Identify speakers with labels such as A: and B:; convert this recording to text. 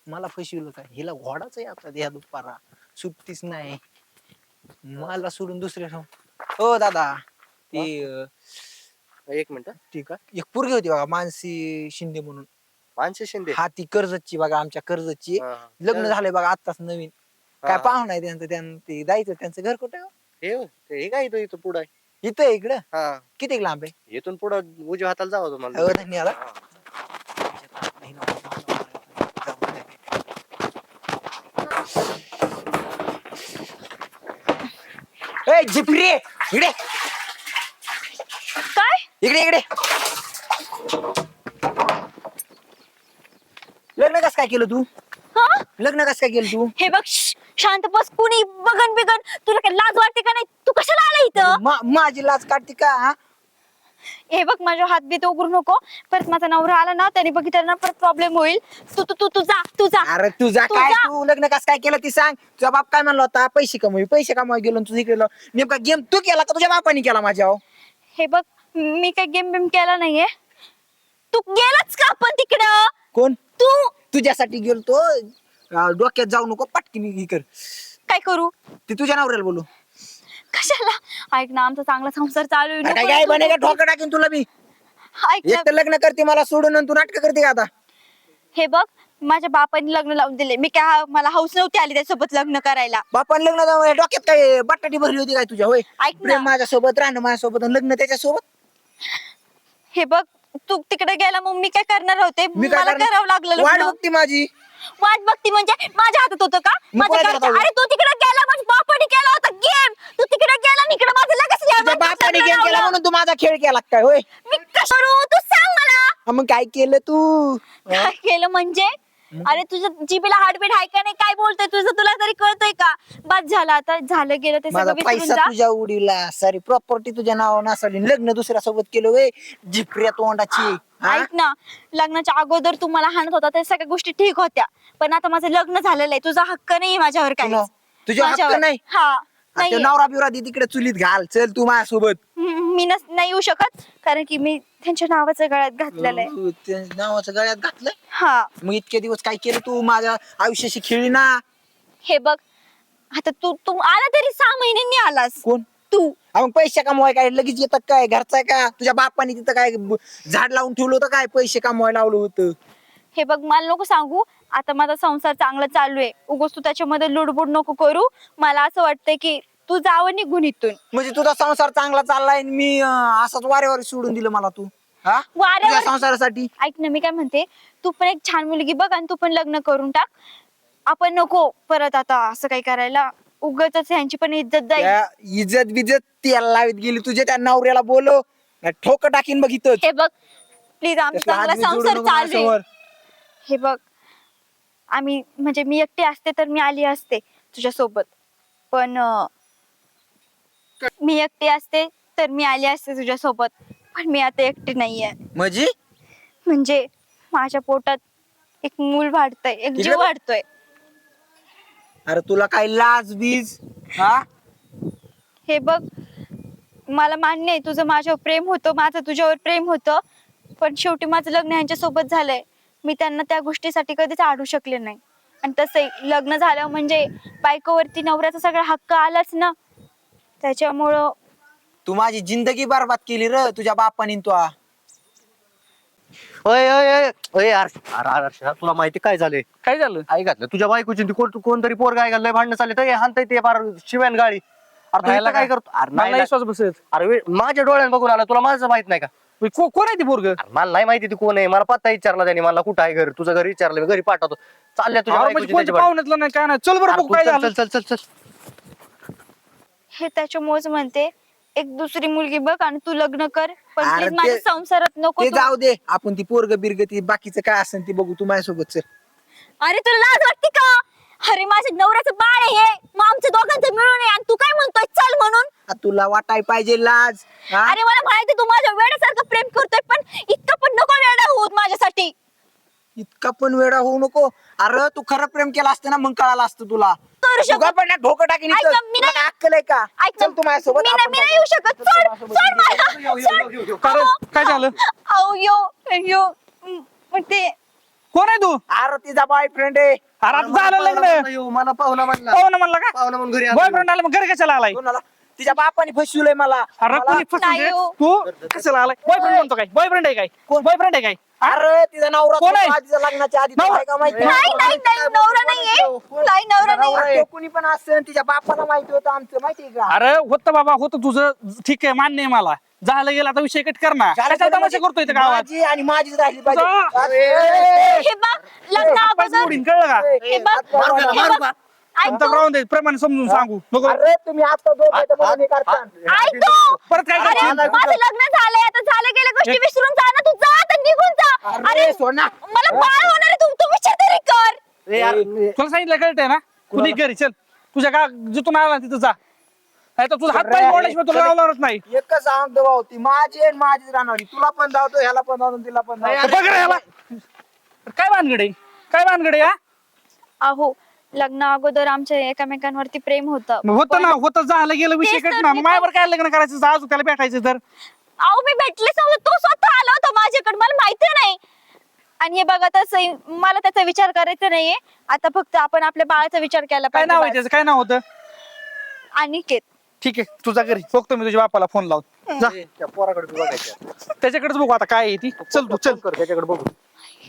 A: मला फसविलं काय? हिला घोडाच आहे आता या दुपारा सुट्टीच नाही. मला सोडून दुसऱ्या हो दादा ती
B: एक मिनिट.
A: ठीक आहे एक पोरगी होती बघा मानसी शिंदे म्हणून.
B: मानसी शिंदे.
A: हा ती कर्जतची बघा आमच्या कर्जतची
B: हा.
A: लग्न झालंय बघा आत्ताच नवीन. काय पाहुणा आहे त्यांचं ते जायचं त्यांचं घर कुठे
B: हे काय इथं पुढं आहे.
A: इथं आहे इकडं
B: हा
A: किती लांब आहे?
B: इथून पुढं उजव्या हाताला जावं तुम्हाला.
A: हो धन्यवाद. ए झिपरी इकडे
C: काय
A: इकडे इकडे लग्न कस काय केलं तू?
C: हा
A: लग्न कस काय केलं तू?
C: हे बघ शांत बस. कुणी बघन बिगन तुला काय लाज वाटते का नाही? तू कशाला आला इथं?
A: माझी लाज काढते का हा?
C: हे बघ माझ्या हात बीत उघडू नको. परत माझा नवरा आला ना त्याने बघितलं ना परत प्रॉब्लेम होईल. तू तू तू तू जा तू जा.
A: अरे तुझा
C: तू
A: काय
C: जा.
A: तू लग्न कस काय केलं ती सांग. तुझा बाप काय म्हणला होता पैसे कमवाय गेलो तुझं इकडे नेमका गेम तू केला का तुझ्या बापाने केला माझ्या?
C: हे बघ मी काही गेम बिम केला नाहीये. तू गेलाच का पण तिकडं?
A: कोण?
C: तू
A: तुझ्यासाठी गेलतो डोक्यात जाऊ नको पटकीने ही कर.
C: काय करू?
A: ती तुझ्या नवऱ्याला बोलू.
C: कशाला? ऐक ना आमचा चांगला संसार चालू आहे.
A: काय
C: नको
A: काय
C: तू-
A: बने का ठोका टाकीन तुला मी.
C: ऐक ना
A: एक तर लग्न करते मला सोडून आणि तू नाटक करते का आता?
C: हे बघ माझ्या बापाने लग्न लावून दिले. मी काय मला हौस नव्हती आली त्यासोबत लग्न करायला.
A: बापान लग्न डोक्यात काय बटाटी भरली होती काय तुझ्या? होय
C: ऐक ना.
A: प्रेम माझ्यासोबत राहणं माझ्यासोबत आणि लग्न त्याच्यासोबत.
C: हे बघ तू तिकडे गेला मग मी काय करणार होते?
A: मी काय
C: मला
A: करणार?
C: करावं लागलं
A: वाट
C: लग्न.
A: बघती माझी.
C: वाट बघती म्हणजे माझ्या हातात होतं का?
A: मी
C: माझ्या
A: कोणाच्या
C: घरच्या-
A: हातात
C: अरे तू तिकडे गेला माझ्या बापाने केला होता गेम. तू तिकडे गेला आणि इकडे माझं लगेच
A: तुझ्या बापाने गेम केला म्हणून तू माझा खेळ केला काय? होय
C: मी कसं करू? तू सांग मला.
A: हा, मग काय केलं तू?
C: काय केलं म्हणजे? अरे तुझ्या जीबीला हार्टबीट आहे का नाही? काय बोलतोय तुझं तुला तरी कळतंय का? बाद झालं आता झालं गेलं ते
A: माझा
C: सगळं विसरून
A: पैसा
C: जा.
A: तुझ्या उडीला सारी प्रॉपर्टी तुझ्या नावावर नसली लग्न दुसऱ्या सोबत केलं वे जिपऱ्या तोंडाची. हा?
C: ऐक ना लग्नाच्या अगोदर तू मला हाणत होता त्या सगळ्या गोष्टी ठीक होत्या. पण आता माझं लग्न झालेलं आहे. तुझा हक्क नाही माझ्यावर काय.
A: तुझ्या हक्क नाही?
C: हा नाही
A: नवरा बिवरा दे तिकडे चुलीत घाल चल तू माझ्यासोबत.
C: मी नाही येऊ शकत कारण की मी त्यांच्या नावाचं गळ्यात घातलेलं आहे.
A: तू त्या नावाचं गळ्यात घातलंय.
C: हा
A: मग इतके दिवस काय केलं तू माझ्या आयुष्याशी खेळली ना?
C: हे बघ आता तू तू आला तरी 6 महिन्यांनी आलास.
A: कोण?
C: तू
A: मग पैसे कमवाय काय लगेच येतात काय? घरचा आहे का? तुझ्या बापाने तिथं काय झाड लावून ठेवलं होतं काय? पैसे कमवायला लावलं होतं.
C: हे बघ मला नको सांगू. आता माझा संसार चांगला चालू आहे. उगाच तू त्याच्यामध्ये लुडबुड नको करू. मला असं वाटतंय की तू जावं निघून इथून.
A: म्हणजे तुझा संसार चांगला चाललाय आणि मी असाच वारेवार सोडून दिलं मला तू हा?
C: वाऱ्यावर-
A: तुझ्या संसारासाठी.
C: ऐक ना मी काय म्हणते तू पण एक छान मुलगी बघ आणि तू पण लग्न करून टाक. आपण नको परत आता असं काही करायला. उगाच ह्यांची पण इज्जत जाईल.
A: त्या इज्जत बिजत त्याला लावत गेली तुझ्या त्या नवऱ्याला बोलव ठोक टाकीन बघ इथं.
C: हे बघ प्लीज आमचा चांगला संसार चालू आहे. हे बघ आम्ही म्हणजे मी एकटी असते तर मी आली असते तुझ्यासोबत. पण मी एकटी असते तर मी आली असते तुझ्यासोबत. पण मी आता एकटी नाहीये. म्हणजे माझ्या पोटात एक मूल वाढतंय एक जीव वाढतोय.
A: अरे तुला काय लाज बीज हा?
C: हे बघ मला मान्य आहे तुझं माझ्यावर प्रेम होतं माझं तुझ्यावर प्रेम होतं. पण शेवटी माझं लग्न यांच्या सोबत झालंय. मी त्यांना त्या गोष्टीसाठी कधीच आडू शकले नाही. आणि तसं लग्न झालं म्हणजे बायकोवरती नवऱ्याचा सगळा हक्क आलाच ना. त्याच्यामुळं
A: तू माझी जिंदगी बरबाद केली र तुझ्या बापानी तू.
B: ओय ओय ओय ओय यार अरे अर्षा तुला माहिती काय झालंय?
D: काय झालं?
B: आई घातलं तुझ्या बायकोची ती कोणतरी पोर काय घाललंय भांडणं चालले तर हाणताय ते फार शिव्यान गाडी. अरे तू
D: राहायला
B: इथं काय
D: का?
B: करतो? अरे
D: मला
B: नाही
D: विश्वास बसत.
B: अरे माझ्या डोळ्यात बघून आला तुला माझं माहित नाही का?
D: कोण आहे ती पोरग?
B: अरे मला नाही माहिती ती कोण आहे. मला पत्ता विचारला त्याने मला कुठं आहे घर तुझं घर विचारलं मी घरी पाठवतो. चालल्या तुझ्या
D: म्हणजे
B: बायकोची
D: कोणत्या
B: त्याची
D: पाहुण्यातलं नाही काय नाही. चल बरं बघू काय
B: भांडणं.
D: झालं.
B: चल चल चल चल
C: हे त्याच्यामुळेच म्हणते एक दुसरी मुलगी बघ आणि तू लग्न कर. पण
A: अरे
C: प्लीज माझ्या
A: ते-
C: संसारात नको
A: ते
C: तू.
A: जाऊ दे आपण ती पोरग बिरग ती बाकीचं काय असेल ती बघू तू माझ्यासोबत चल.
C: अरे तुला लाज वाटते का? अरे माझ्या नवऱ्याचं बाळ आहे हे. मग आमच्या दोघांचं मिळून आहे आणि तू काय म्हणतोय चल म्हणून?
A: तुला वाटाय पाहिजे लाज हा?
C: अरे मला माहिती तू माझ्या वेड्यासारखं प्रेम करतोय पण इतकं पण नको वेडा होत माझ्यासाठी.
A: इतका पण वेडा होऊ नको. अरे तू खरं प्रेम केलं असतं ना मग कळालं असतं तुला.
C: करू
A: तू
C: शकत-
A: का पण ढोकं टाकीन
C: ऐक
A: इथं?
C: ना, मी
A: तुला
C: नाही-
A: काय अक्कल आहे का?
C: ऐक ना,
A: चल तू माझ्यासोबत
C: मी नाही-
A: आपण
C: मी नाही येऊ शकत. सोड सोड मला.
D: काय काय झालं?
C: अहो यो यो मग ते
D: कोण आहे तू?
E: अरे तिचा बॉयफ्रेंड आहे.
D: अरे आता झालं लग्न.
B: मला पाहुणा म्हणला
D: पाहुणा म्हणला का?
B: पाहुणा म्हणून घरी
D: बॉयफ्रेंड आला मग घरी कशाला आलाय?
E: कोणाला? तिच्या बापाने फसवलंय मला.
D: अरे कोणी फसवून
C: नाही
D: दे?
C: हो.
D: तू कशाला आलाय? बॉयफ्रेंड म्हणतो काय? बॉयफ्रेंड आहे काय? बॉयफ्रेंड आहे काय?
E: अरे तिचा नवरा
D: कोण आहे?
E: तिच्या लग्नाच्या आधी
D: नवरा?
E: आहे का माहिती?
C: नाही नाही नाही नवरा नाहीये नाही नवरा
E: नवरा
C: नाहीये
E: तो कुणी पण असतं तिच्या बापाला माहिती होतं आमचं माहितीये का?
D: अरे होतं बाबा होतं तुझं, ठीक आहे मान्य आहे मला. झालं गेलं आता विषय कट कर ना. कशाला तमाशा करतोय इथं गावात?
E: माझी आणि माझीच राहिली
D: जा.
E: पाहिजे.
C: हे बघ लग्न
D: हातपाय
C: अगोदर
D: मोडीन, कळलं का?
C: हे बघ
B: मारू का?
C: हे
B: मारू
C: बघ.
B: का?
C: ऐक
D: आता
C: तू.
D: राहून दे, प्रमाणे समजून सांगू नको.
E: अरे तुम्ही आता दोघं इथं म्हणून हे करता.
C: ऐक तू.
D: परत काय
C: अरे
D: करशील?
C: माझं लग्न झालंय आता झालं गेल्या गोष्टी विसरून जा ना तू जा आता निघून जा
E: अरे सोना.
C: मला बाळ होणार आहे तू विचार तरी कर
B: ए यार,
D: तुला सांगितलं कळतंय ना? कुणी घरी चल, तुझ्या का जिथून आला तिथं जा. नाही तर तुझा हात पाय मोडल्याशिवाय तुला लावणारच नाही.
E: एकच सांगतो भाऊ ती माझी आणि माझीच राहणार. तुला पण धावतो ह्याला पण धावतो तिला पण धावतो.
D: बघ रे ह्याला. काय भानगडे काय भानगडे हा?
C: अहो लग्न अगोदर आमच्या एकमेकांवरती प्रेम होतं
D: मग होतं ना, होतं झालं गेलं विषय
C: तेच तर
D: कट ना.
C: मी
D: मग माझ्यावर काय लग्न करायचं? जा अजून त्याला भेटायचं तर.
C: अहो मी भेटलेच नव्हतं तो स्वतः आला होता माझ्याकडे मला माहिती नाही आणि हे बघा तसं मला त्याचा विचार करायचा नाहीये आता फक्त आपण आपल्या बाळाचा विचार केला
D: काय नाव आहे
C: पाहिजे
D: त्याचं? काय नाव होतं?
C: अनिकेत
D: ठीक आहे तुझा घरी बघतो मी तुझ्या बापाला फोन लावून. जा
B: त्या पोराकडे बघायचं
D: त्याच्याकडेच बघू आता काय आहे ती. चल तू चल.
B: कर त्याच्याकडे बघू.